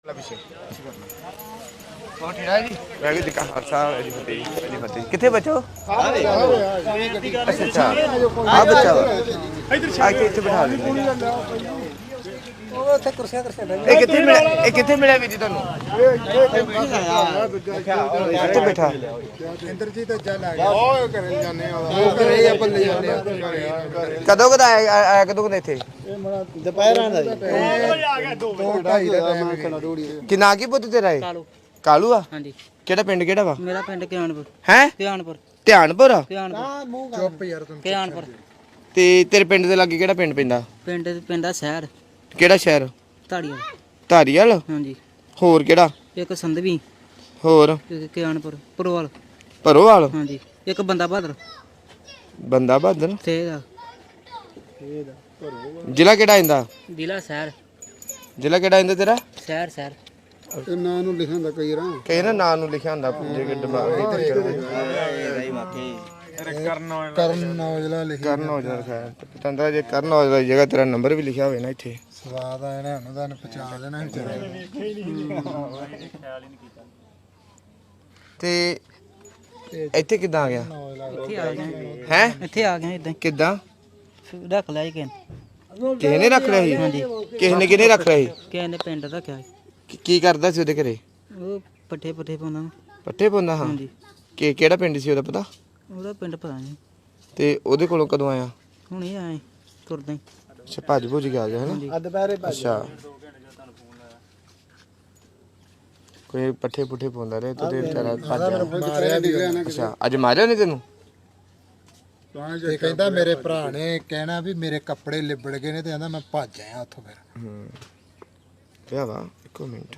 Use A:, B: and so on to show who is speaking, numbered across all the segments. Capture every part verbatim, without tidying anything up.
A: किथे बचो अच्छा हाँ बच्चा आके इत्थे बिठा देंगे किथे मिला किथे मिला वीर जी तुहानू किथे बैठा इंद्रजीत कदों कद आया कदों कद इत्थे दोपहर कि ना की पुत्त तेरा कालू आ ਕਿਹੜਾ ਪਿੰਡ ਕਿਹੜਾ ਵਾ
B: ਮੇਰਾ ਪਿੰਡ ਕਿਆਨਪੁਰ
A: ਹੈ
B: ਕਿਆਨਪੁਰ
A: ਧਿਆਨਪੁਰ
B: ਚੁੱਪ ਯਾਰ ਤੂੰ ਕਿਆਨਪੁਰ
A: ਤੇ ਤੇਰੇ ਪਿੰਡ ਦੇ ਲਾਗੇ ਕਿਹੜਾ ਪਿੰਡ ਪੈਂਦਾ
B: ਪਿੰਡ ਪਿੰਡਾ ਸ਼ਹਿਰ
A: ਕਿਹੜਾ ਸ਼ਹਿਰ
B: ਧਾਰੀਵਾਲ
A: ਧਾਰੀਵਾਲ
B: ਹਾਂਜੀ
A: ਹੋਰ ਕਿਹੜਾ
B: ਇੱਕ ਸੰਧਵੀ
A: ਹੋਰ
B: ਇੱਕ ਕਿਆਨਪੁਰ ਪਰੋਵਾਲ
A: ਪਰੋਵਾਲ
B: ਹਾਂਜੀ ਇੱਕ ਬੰਦਾ ਬਹਾਦਰ
A: ਬੰਦਾ ਬਹਾਦਰ
B: ਤੇ ਇਹਦਾ
A: ਜ਼ਿਲ੍ਹਾ ਕਿਹੜਾ ਆਂਦਾ
B: ਜ਼ਿਲ੍ਹਾ ਸ਼ਹਿਰ
A: ਜ਼ਿਲ੍ਹਾ ਕਿਹੜਾ ਆਂਦਾ ਤੇਰਾ
B: ਸ਼ਹਿਰ ਸ਼ਹਿਰ
C: ਤੇ ਨਾਂ ਨੂੰ ਲਿਖਿਆ ਹੁੰਦਾ ਕਈ ਰਾਂ
A: ਕਹੇ ਨਾ ਨਾਂ ਨੂੰ ਲਿਖਿਆ ਹੁੰਦਾ ਜੇ ਦਿਮਾਗ
C: ਕਰਨ ਔਜਲਾ ਲਿਖਿਆ
A: ਕਰਨ ਔਜਲਾ ਲਿਖਿਆ ਪਤੰਦਰਾ ਜੇ ਕਰਨ ਔਜਲਾ ਦੀ ਜਗ੍ਹਾ ਤੇਰਾ ਨੰਬਰ ਵੀ ਲਿਖਿਆ ਹੋਵੇ ਨਾ ਇੱਥੇ
C: ਸਵਾਦ ਆ ਇਹਨਾਂ ਨੂੰ ਤਾਂ ਪਛਾਣ ਲੈਣਾ ਵਿਚਾਰੇ
A: ਤੇ ਇੱਥੇ ਕਿੱਦਾਂ ਆ ਗਿਆ
B: ਇੱਥੇ ਆ ਗਏ
A: ਹੈ
B: ਇੱਥੇ ਆ ਗਏ ਇਦਾਂ
A: ਕਿੱਦਾਂ
B: ਰੱਖ ਲਿਆ ਕਿ
A: ਕਿਸੇ ਨੇ ਰੱਖ ਲਿਆ ਸੀ ਕਿਸੇ ਨੇ ਕਿਹਨੇ ਰੱਖ ਲਿਆ ਸੀ
B: ਕਿਸੇ ਨੇ ਪਿੰਡ ਰੱਖਿਆ
A: ਕੀ- ਕੀ ਕਰਦਾ ਸੀ ਉਹਦੇ ਘਰੇ
B: ਉਹ ਪੱਠੇ ਪੱਠੇ ਪਾਉਂਦਾ
A: ਪੱਠੇ ਪਾਉਂਦਾ ਹਾਂ
B: ਹਾਂਜੀ
A: ਕਿ ਕਿਹੜਾ ਪਿੰਡ ਸੀ ਉਹਦਾ ਪਤਾ
B: ਉਹਦਾ ਪਿੰਡ ਪਤਾ ਨਹੀਂ
A: ਤੇ ਉਹਦੇ ਕੋਲੋਂ ਕਦੋਂ ਆਇਆ
B: ਹੁਣ ਇਹ ਆਏ ਤੁਰਦਾ ਹੀ
A: ਅੱਛਾ ਭੱਜ ਭੁੱਜ ਕੇ ਆ ਗਿਆ ਹੈ ਨਾ
C: ਅੱਧ ਪੈਰੇ
A: ਅੱਛਾ ਕੋਈ ਪੱਠੇ ਪੁੱਠੇ ਪਾਉਂਦਾ ਰਹੇ ਤੇ ਵਿਚਾਰਾ ਭੱਜ ਗਿਆ
C: ਮਾਰਿਆ ਨਿਕਲਿਆ ਨਾ
A: ਅੱਛਾ ਅੱਜ ਮਾਰਿਆ ਨਹੀਂ ਤੈਨੂੰ
C: ਇਹ ਕਹਿੰਦਾ ਮੇਰੇ ਭਰਾ ਨੇ ਕਹਿਣਾ ਵੀ ਮੇਰੇ ਕੱਪੜੇ ਲਿਬੜ ਗਏ ਨੇ ਤੇ ਕਹਿੰਦਾ ਮੈਂ ਭੱਜ ਆਇਆ ਉੱਥੋਂ ਫਿਰ
A: ਹੂੰ ਕਿਆ ਵਾ ਇੱਕੋ ਮਿੰਟ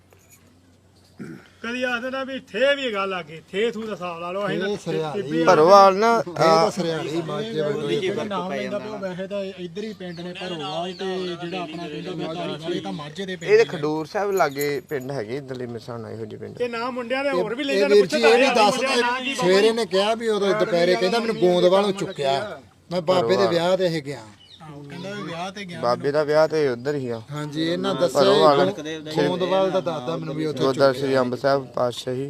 D: ਕਦੀ ਆਖਦੇ ਨਾ ਵੀ ਥੇ ਵੀ ਗੱਲ ਆ ਗਈ ਥੇ ਥੂ ਦਾ ਹਿਸਾਬ ਲਾ ਲਓ
C: ਇਹ ਸਰਿਆਲੀ
A: ਭਰੋਵਾਲ ਨਾ
C: ਇਹ ਤਾਂ ਸਰਿਆਲੀ ਮਾਝੇ ਵਾਲੇ
D: ਨਾਮ ਲੈਂਦਾ ਪਿਆ ਵੈਸੇ ਤਾਂ ਇੱਧਰ ਹੀ ਪਿੰਡ ਨੇ ਭਰੋਵਾਲ ਤੇ ਜਿਹੜਾ ਆਪਣਾ ਪਿੰਡ ਮੈਂ ਧਾਰੀਵਾਲ ਇਹ ਤਾਂ ਮਾਝੇ ਦੇ ਪਿੰਡ
A: ਇਹਦੇ ਖਡੂਰ ਸਾਹਿਬ ਲਾਗੇ ਪਿੰਡ ਹੈਗੇ ਇਧਰਲੇ ਮਿਸਾਣਾ ਇਹੋ ਜਿਹੇ ਪਿੰਡ
D: ਤੇ ਨਾ ਮੁੰਡਿਆਂ ਦੇ ਹੋਰ ਵੀ ਲੈ
C: ਇਹ
D: ਜਾਂਦੇ
C: ਵੀਰ ਜੀ ਇਹ ਵੀ ਦੱਸ ਸਵੇਰੇ ਨੇ ਕਿਹਾ ਵੀ ਉਦੋਂ ਦੁਪਹਿਰੇ ਕਹਿੰਦਾ ਮੈਨੂੰ ਗੋਂਦਵਾਲੋਂ ਚੁੱਕਿਆ ਮੈਂ ਬਾਬੇ ਦੇ ਵਿਆਹ ਤੇ ਇਹ ਗਿਆ
D: ਕਹਿੰਦਾ ਵੀ ਵਿਆਹ ਤੇ ਗਿਆ
A: ਬਾਬੇ ਦਾ ਵਿਆਹ ਤੇ ਉਧਰ ਹੀ ਆ
C: ਹਾਂਜੀ ਇਹਨਾਂ ਦੱਸਿਆ ਗੋਂਦਵਾਲ ਦਾ ਦਾਦਾ ਮੈਨੂੰ ਵੀ ਉੱਥੇ
A: ਗੁਰਦੁਆਰਾ ਸ੍ਰੀ ਅੰਬ ਸਾਹਿਬ ਪਾਤਸ਼ਾਹੀ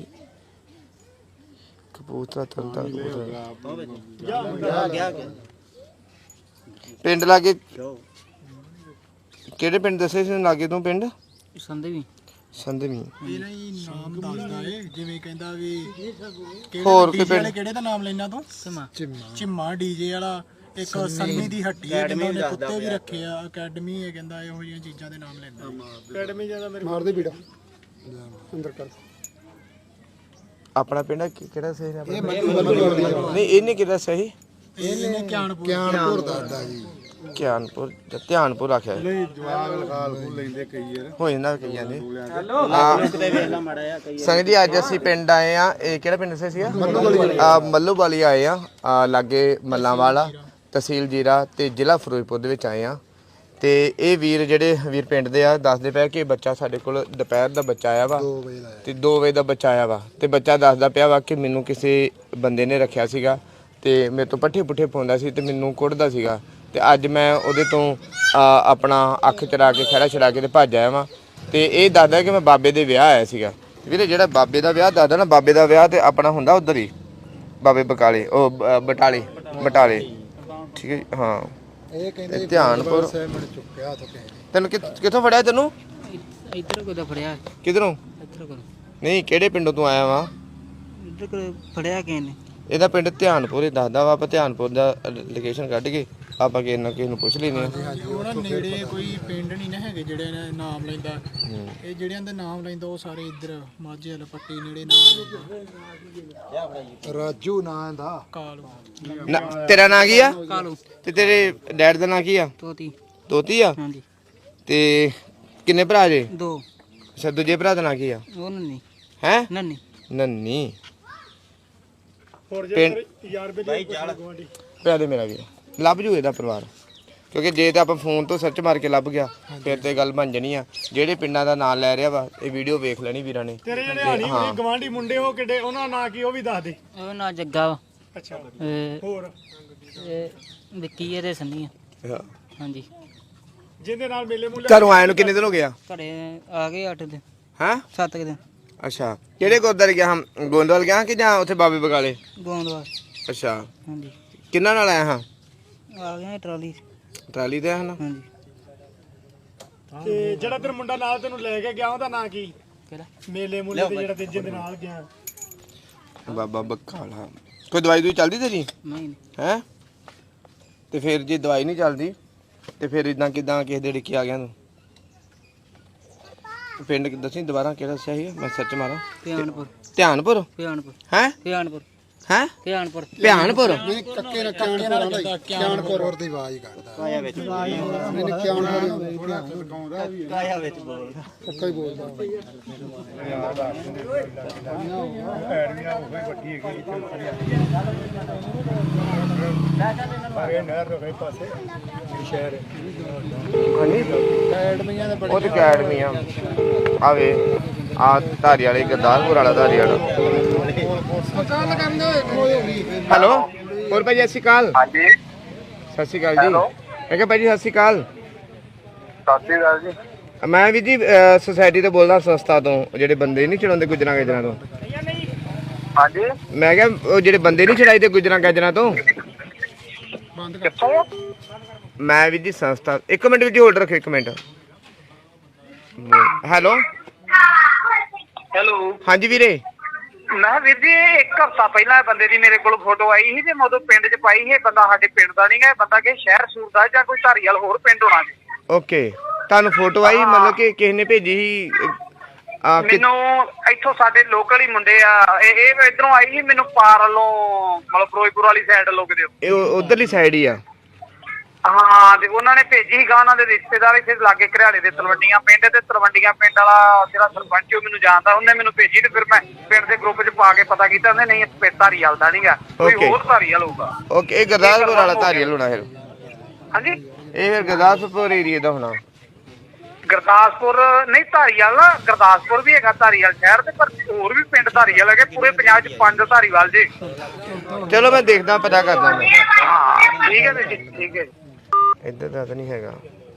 A: ਕਪੂਰਥਲਾ ਤਰਨਤਾ ਪਿੰਡ ਲਾਗੇ ਕਿਹੜੇ ਪਿੰਡ ਦੱਸੇ ਸੀ ਲਾਗੇ ਤੋਂ ਪਿੰਡ
B: ਸੰਧਵੀ
A: ਸੰਧਵੀ
D: ਇਹਦਾ ਹੀ ਨਾਮ ਦੱਸਦਾ ਏ ਜਿਵੇਂ ਕਹਿੰਦਾ ਵੀ
A: ਹੋਰ ਕੋਈ
D: ਡੀਜੇ
A: ਪਿੰਡ
D: ਵਾਲੇ ਕਿਹੜੇ ਦਾ ਨਾਮ ਲੈਣਾ ਤੂੰ
B: ਸਮਾਂ
C: ਚਿੰਮਾ
D: ਚਿੰਮਾ ਡੀਜੇ ਵਾਲਾ ਇੱਕ ਸੰਨੀ ਦੀ ਹੱਟੀ ਹੈ ਕਹਿੰਦਾ ਉਹਨੇ ਕੁੱਤੇ ਵੀ ਰੱਖੇ ਆ ਅਕੈਡਮੀ ਹੈ ਕਹਿੰਦਾ ਇਹੋ ਜਿਹੀਆਂ ਚੀਜ਼ਾਂ ਦੇ ਨਾਮ ਲੈਂਦਾ ਅਕੈਡਮੀ ਜਿਆਦਾ ਮੇਰੇ
C: ਮਾਰਦੇ ਬੀੜਾ ਅੰਦਰ ਕਰ
A: ਆਪਣਾ ਪਿੰਡ ਕਿ- ਕਿਹੜਾ ਸਹੀ ਨੇ ਆਪਣਾ?
C: ਇਹ ਮੱਲੂ ਮੱਲੂ
A: ਨਹੀਂ ਇਹਨੇ ਕਿਹੜਾ ਸਹੀ
D: ਇਹਨੇ ਕਿਆਨਪੁਰ
C: ਗਿਆਨਪੁਰ ਦਾਦਾ ਜੀ
A: ਧਿਆਨਪੁਰ ਜਾਂ ਧਿਆਨਪੁਰ ਆਖਿਆ
C: ਨਹੀਂ ਜਵਾਗ ਲਖਾਲ ਕੋ ਲੈਂਦੇ ਕਈ ਯਾਰ
A: ਹੋ ਜਾਂਦਾ ਕਈਆਂ ਦੇ ਸੰਗ ਜੀ ਅੱਜ ਅਸੀਂ ਪਿੰਡ ਆਏ ਆ ਇਹ ਕਿਹੜਾ ਪਿੰਡ ਦੱਸਿਆ ਸੀਗਾ ਆ ਮੱਲੂ ਵਾਲੀ ਆਏ ਆ ਆਹ ਲਾਗੇ ਮੱਲਾਂ ਵਾਲਾ ਤਹਿਸੀਲ ਜੀਰਾ ਤੇ ਜ਼ਿਲ੍ਹਾ ਫਿਰੋਜ਼ਪੁਰ ਦੇ ਵਿੱਚ ਆਏ ਆ ਤੇ ਇਹ ਵੀਰ ਜਿਹੜੇ ਵੀਰ ਪਿੰਡ ਦੇ ਆ ਦੱਸਦੇ ਪਿਆ ਕਿ ਬੱਚਾ ਸਾਡੇ ਕੋਲ ਦੁਪਹਿਰ ਦਾ ਬੱਚਾ ਆਇਆ ਵਾ
C: ਦੋ ਵਜੇ ਦਾ
A: ਤੇ ਦੋ ਵਜੇ ਦਾ ਬੱਚਾ ਆਇਆ ਵਾ ਤੇ ਬੱਚਾ ਦੱਸਦਾ ਪਿਆ ਵਾ ਕਿ ਮੈਨੂੰ ਕਿਸੇ ਬੰਦੇ ਨੇ ਰੱਖਿਆ ਸੀਗਾ ਤੇ ਮੇਰੇ ਤੋਂ ਪੱਠੇ ਪੁੱਠੇ ਪਾਉਂਦਾ ਸੀ ਤੇ ਮੈਨੂੰ ਕੁੱਟਦਾ ਸੀਗਾ ਤੇ ਅੱਜ ਮੈਂ ਉਹਦੇ ਤੋਂ ਆਪਣਾ ਅੱਖ ਚਰਾ ਕੇ ਖਹਿੜਾ ਛੜਾ ਕੇ ਤੇ ਭੱਜ ਆਇਆ ਵਾਂ ਤੇ ਇਹ ਦੱਸਦਾ ਕਿ ਮੈਂ ਬਾਬੇ ਦੇ ਵਿਆਹ ਆਇਆ ਸੀਗਾ ਵੀਰੇ ਜਿਹੜਾ ਬਾਬੇ ਦਾ ਵਿਆਹ ਦੱਸਦਾ ਨਾ ਬਾਬੇ ਦਾ ਵਿਆਹ ਤੇ ਆਪਣਾ ਹੁੰਦਾ ਉਧਰ ਹੀ ਬਾਬੇ ਬਕਾਲੇ ਉਹ ਬ- ਬਟਾਲੇ ਬਟਾਲੇ ਠੀਕ ਹੈ ਜੀ, ਹਾਂ
C: ਇਹ ਕਹਿੰਦੇ ਜੀ
A: ਧਿਆਨਪੁਰ
C: ਸਾਹਿਬ ਮੈਨੂੰ ਚੁੱਕਿਆ ਉੱਥੋਂ ਕਿਸੇ ਨੇ
A: ਤੈਨੂੰ ਕਿ- ਕਿੱਥੋਂ ਫੜਿਆ ਤੈਨੂੰ
B: ਇੱਧਰ ਕੋਦਾ ਫੜਿਆ
A: ਕਿਧਰੋਂ
B: ਇੱਧਰ ਕੋਲ
A: ਨਹੀਂ ਕਿਹੜੇ ਪਿੰਡੋਂ ਤੂੰ ਆਇਆ ਵਾ
B: ਇੱਧਰ ਕੋਲ ਫੜਿਆ ਕਿਸੇ ਨੇ
A: ਇਹਦਾ ਪਿੰਡ ਧਿਆਨਪੁਰ ਹੀ ਦੱਸਦਾ ਵਾ ਆਪਾਂ ਧਿਆਨਪੁਰ ਦਾ ਲੋਕੇਸ਼ਨ ਕੱਢ ਕੇ ਆਪਾਂ ਕਿਸੇ ਨਾ ਕਿਸੇ ਨੂੰ ਪੁੱਛ ਲੈਨੇ ਆ
D: ਉਹਨਾਂ ਨੇੜੇ ਕੋਈ ਪਿੰਡ ਨਹੀਂ ਨਾ ਹੈਗੇ ਜਿਹੜੇ ਨੇ ਨਾਮ ਲੈਂਦਾ ਇਹ ਜਿਹੜਿਆਂ ਦੇ ਨਾਮ ਲੈਂਦਾ ਉਹ ਸਾਰੇ ਇੱਧਰ ਮਾਝੇ ਵਾਲਾ ਪੱਟੀ ਨੇੜੇ ਨਾਮ ਲੈਂਦਾ
C: ਰਾਜੂ ਨਾਂ ਦਾ
D: ਕਾਲੂ
A: ਨਾ ਤੇਰਾ ਨਾਂ ਕੀ ਆ
B: ਕਾਲੂ
A: ਤੇ ਤੇਰੇ ਡੈਡ ਦਾ ਨਾਂ ਕੀ ਆ
B: ਤੋਤੀ
A: ਦੋਤੀ ਆ
B: ਹਾਂਜੀ
A: ਤੇ ਕਿੰਨੇ ਭਰਾ ਜੇ
B: ਦੋ
A: ਅੱਛਾ ਦੂਜੇ ਭਰਾ ਦਾ ਨਾਂ ਕੀ ਆ
B: ਉਹ ਨੰਨੀ
A: ਹੈ
B: ਨੰਨੀ
A: ਨੰਨੀ
D: ਹੋਰ
A: ਪਿੰਡ-
D: ਜੇ ਯਾਰ ਬੇਲੀ ਗਵਾਂਢੀ
A: ਭਰਾ ਦੇ ਮੇਰਾ ਵੀ ਆ। ਲੱਭ ਜੂ ਇਹਦਾ ਪਰਿਵਾਰ ਕਿਉਂਕਿ ਜੇ ਤਾਂ ਆਪਾਂ ਫੋਨ ਤੋਂ ਸਰਚ ਮਾਰ ਕੇ ਲੱਭ ਗਿਆ ਫਿਰ ਤੇ ਗੱਲ ਬਣ ਜਣੀ ਆ ਜਿਹੜੇ ਪਿੰਡਾਂ ਦਾ ਨਾਂ ਲੈ ਰਿਹਾ ਵਾ ਇਹ ਵੀਡੀਓ ਵੇਖ ਲੈਣੀ ਵੀਰਾਂ ਨੇ
D: ਤੇਰੇ ਜਿਹੜੇ ਹਾਨੀ ਕੋਈ ਗਵਾਂਢੀ ਮੁੰਡੇ ਉਹ ਕਿੱਡੇ ਉਹਨਾਂ ਦਾ ਨਾਂ ਕੀ ਉਹ ਵੀ ਦੱਸ ਦੇ
B: ਉਹ ਨਾ ਜੱਗਾ ਵਾ
D: ਅੱਛਾ
B: ਇਹ
D: ਹੋਰ
B: ਇਹ ਵਿੱਕੀ ਇਹਦੇ ਸੰਨੀ ਆ
A: ਹਾਂ।
B: ਹਾਂਜੀ
D: ਜਿਹਦੇ ਨਾਲ ਮੇਲੇ ਮੂਲੇ
A: ਘਰੋਂ ਆਏ ਨੂੰ ਕਿੰਨੇ ਦਿਨ ਹੋ ਗਿਆ?
B: ਘਰੇ ਆ ਗਏ ਅੱਠ ਦਿਨ
A: ਹਾਂ
B: ਸੱਤ ਕੁ ਦਿਨ
A: ਅੱਛਾ ਕਿਹੜੇ ਗੁਰਦੁਆਰੇ ਗਿਆ ਹਾਂ? ਗੋਂਦਵਾਲ ਗਿਆ ਕਿ ਜਾਂ ਉੱਥੇ ਬਾਬੇ ਬਗਾਲੇ?
B: ਗੋਂਦਵਾਲ।
A: ਅੱਛਾ
B: ਹਾਂਜੀ
A: ਕਿੰਨਾ ਨਾਲ ਆਇਆ ਹਾਂ?
B: ਆ ਗਏ ਟਰਾਲੀ
A: ਟਰਾਲੀ ਤੇ ਹਨ।
B: ਹਾਂਜੀ।
D: ਤੇ ਜਿਹੜਾ ਤੇਰਾ ਮੁੰਡਾ ਨਾਲ ਤੈਨੂੰ ਲੈ ਕੇ ਗਿਆ ਉਹਦਾ ਨਾਂ ਕੀ?
B: ਕਿਹੜਾ?
D: ਮੇਲੇ ਮੂਲੇ ਤੇ ਜਿਹੜਾ ਤੀਜੇ ਦੇ ਨਾਲ ਗਿਆ।
A: ਬਾਬਾ ਬਕਾਲਾ। ਕੋਈ ਦਵਾਈ ਦੂਈ ਚੱਲਦੀ ਤੇਰੀ
B: ਨਹੀਂ
A: ਹੈ? ਤੇ ਫਿਰ ਜੇ ਦਵਾਈ ਨਹੀਂ ਚੱਲਦੀ ਤੇ ਫਿਰ ਇਦਾਂ ਕਿਦਾਂ ਕਿਸੇ ਦੇ ਡਿੱਕੀ ਆ ਗਿਆ ਤੂੰ? ਪਿੰਡ ਦੱਸੀ ਦੁਬਾਰਾ ਕਿਹੜਾ ਦੱਸਿਆ ਸੀ? ਮੈਂ ਸਰਚ ਮਾਰਾਂ।
B: ਧਿਆਨਪੁਰ।
A: ਧਿਆਨਪੁਰ
B: ਧਿਆਨਪੁਰ
A: ਹੈ?
B: ਧਿਆਨਪੁਰ
A: ਹੈ
B: ਧਿਆਨਪੁਰ
A: ਧਿਆਨਪੁਰ
C: ਨਹੀਂ ਕੱਕੇ ਨਾ ਕਿਆਨਪੁਰ ਆਂਦਾ ਕਿਆਨਪੁਰ ਦੀ ਆਵਾਜ਼ ਕੱਢਦਾ ਕਾਇਆ ਵਿੱਚ ਨਹੀਂ ਕਿਆਨਪੁਰ ਥੋੜਾ ਲਗਾਉਂਦਾ ਵੀ ਕਾਇਆ ਵਿੱਚ ਬੋਲਦਾ ਪੱਕਾ ਹੀ ਬੋਲਦਾ ਐੜੀਆਂ ਉਹ ਹੀ ਵੱਡੀ ਹੈਗੀ ਬਾਰੇ ਨਹਿਰ ਤੋਂ ਕਈ ਪਾਸੇ ਸ਼ਹਿਰ
A: ਹਾਂਜੀ
C: ਐਡਮੀਆਂ ਦੇ ਬੜੇ
A: ਉਹ ਤੇ ਅਕੈਡਮੀ ਆ ਆਵੇ ਆ ਧਾਰੀ ਵਾਲੇ ਗਰਦਾਸਪੁਰ ਵਾਲਾ ਧਾਰੀ ਵਾਲਾ।
C: ਮਕਾਨ ਲਗਾਉਂਦੇ ਹੋਏ ਖੋਏ ਹੋ ਗਈ
A: ਹੈਲੋ ਹੋਰ ਭਾਈ ਸਤਿ ਸ਼੍ਰੀ ਅਕਾਲ।
E: ਹਾਂਜੀ
A: ਸਤਿ ਸ਼੍ਰੀ ਅਕਾਲ ਜੀ। ਮੈਂ ਕਿਹਾ ਭਾਈ ਜੀ ਸਤਿ ਸ਼੍ਰੀ ਅਕਾਲ।
E: ਸਤਿ ਸ਼੍ਰੀ ਅਕਾਲ ਜੀ।
A: ਮੈਂ ਵੀ ਜੀ ਸੁਸਾਇਟੀ ਤੋਂ ਬੋਲਦਾ ਸੰਸਥਾ ਤੋਂ ਜਿਹੜੇ ਬੰਦੇ ਨਹੀਂ ਚੜਾਉਂਦੇ ਗੁਜਰਾਂ ਗਾਜਰਾਂ ਤੋਂ।
E: ਹਾਂਜੀ
A: ਮੈਂ ਕਿਹਾ ਉਹ ਜਿਹੜੇ ਬੰਦੇ ਨਹੀਂ ਚੜਾਈਦੇ ਗੁਜਰਾਂ ਗਾਜਰਾਂ ਤੋਂ।
E: ਕਿੱਥੋਂ?
A: ਮੈਂ ਵੀ ਜੀ ਸੰਸਥਾ ਇੱਕ ਮਿੰਟ ਵਿੱਚ ਹੋਲਡ ਰੱਖੋ ਇੱਕ ਮਿੰਟ। ਹੈਲੋ
E: ਹੈਲੋ
A: ਹਾਂਜੀ ਵੀਰੇ।
E: ਮੈਂ ਵੀਰ ਜੀ ਇੱਕ ਹਫ਼ਤਾ ਪਹਿਲਾਂ ਬੰਦੇ ਦੀ ਮੇਰੇ ਕੋਲ ਫੋਟੋ ਆਈ ਸੀ ਤੇ ਮੈਂ ਉਦੋਂ ਪਿੰਡ 'ਚ ਪਾਈ ਸੀ। ਇਹ ਬੰਦਾ ਸਾਡੇ ਪਿੰਡ ਦਾ ਨਹੀਂ ਗਾ, ਇਹ ਬੰਦਾ ਕਿ ਸ਼ਹਿਰ ਸੂਰ ਦਾ ਜਾਂ ਕੋਈ ਧਾਰੀਵਾਲ ਹੋਰ ਪਿੰਡ ਹੋਣਾ ਜੀ।
A: ਓਕੇ ਤੁਹਾਨੂੰ ਫੋਟੋ ਆਈ ਮਤਲਬ ਕਿ ਕਿਸੇ ਨੇ ਭੇਜੀ ਸੀ? ਆ ਕਿ
E: ਮੈਨੂੰ ਇੱਥੋਂ ਸਾਡੇ ਲੋਕਲ ਹੀ ਮੁੰਡੇ ਆ ਇਹ ਇਹ ਇਧਰੋਂ ਆਈ ਸੀ ਮੈਨੂੰ ਪਾਰ ਵੱਲੋਂ ਮਤਲਬ ਫਿਰੋਜ਼ਪੁਰ ਵਾਲੀ ਸਾਈਡ ਲੋਕ ਦਿਓ।
A: ਇਹ ਉਧਰਲੀ ਸਾਈਡ ਹੀ ਆ।
E: ਹਾਂ ਤੇ ਉਹਨਾਂ ਨੇ ਭੇਜੀ ਸੀਗਾ ਉਹਨਾਂ ਦੇ ਰਿਸ਼ਤੇਦਾਰ ਇੱਥੇ ਲਾਗੇ ਘਰਿਆਲੇ ਦੇ ਤਲਵੰਡੀਆਂ ਪਿੰਡ ਤੇ ਤਲਵੰਡੀਆਂ ਪਿੰਡ ਵਾਲਾ ਜਿਹੜਾ ਸਰਪੰਚ ਉਹ ਮੈਨੂੰ ਜਾਣਦਾ ਉਹਨੇ ਮੈਨੂੰ ਭੇਜੀ ਤੇ ਫਿਰ ਮੈਂ ਪਿੰਡ ਦੇ ਗਰੁੱਪ 'ਚ ਪਾ ਕੇ ਪਤਾ ਕੀਤਾ ਉਹਨੇ ਨਹੀਂ ਇਹ ਧਾਰੀਵਾਲ ਦਾ ਨਹੀਂਗਾ ਕੋਈ
A: Okay.
E: ਹੋਰ ਧਾਰੀਵਾਲ ਹੋਊਗਾ।
A: ਓਕੇ ਇਹ ਗੁਰਦਾਸਪੁਰ ਵਾਲਾ ਧਾਰੀਵਾਲ ਹੋਣਾ ਫਿਰ।
E: ਹਾਂਜੀ
A: ਇਹ ਫਿਰ ਗੁਰਦਾਸਪੁਰ ਏਰੀਆ ਦਾ ਹੋਣਾ।
E: ਗੁਰਦਾਸਪੁਰ ਨਹੀਂ ਧਾਰੀਵਾਲ ਨਾ ਗੁਰਦਾਸਪੁਰ ਵੀ ਹੈਗਾ ਧਾਰੀਵਾਲ ਸ਼ਹਿਰ ਤੇ ਪਰ ਹੋਰ ਵੀ ਪਿੰਡ ਧਾਰੀਵਾਲ ਹੈਗੇ ਪੂਰੇ ਪੰਜਾਬ 'ਚ ਪੰਜ ਧਾਰੀਵਾਲ ਜੀ।
A: ਚਲੋ ਮੈਂ ਦੇਖਦਾ ਪਤਾ ਕਰਦਾ ਮੈਂ।
E: ਹਾਂ ਠੀਕ ਹੈ ਜੀ ਠੀਕ ਹੈ ਜੀ।
A: ਇੱਧਰ ਦਾ ਤਾਂ ਨਹੀਂ ਹੈਗਾ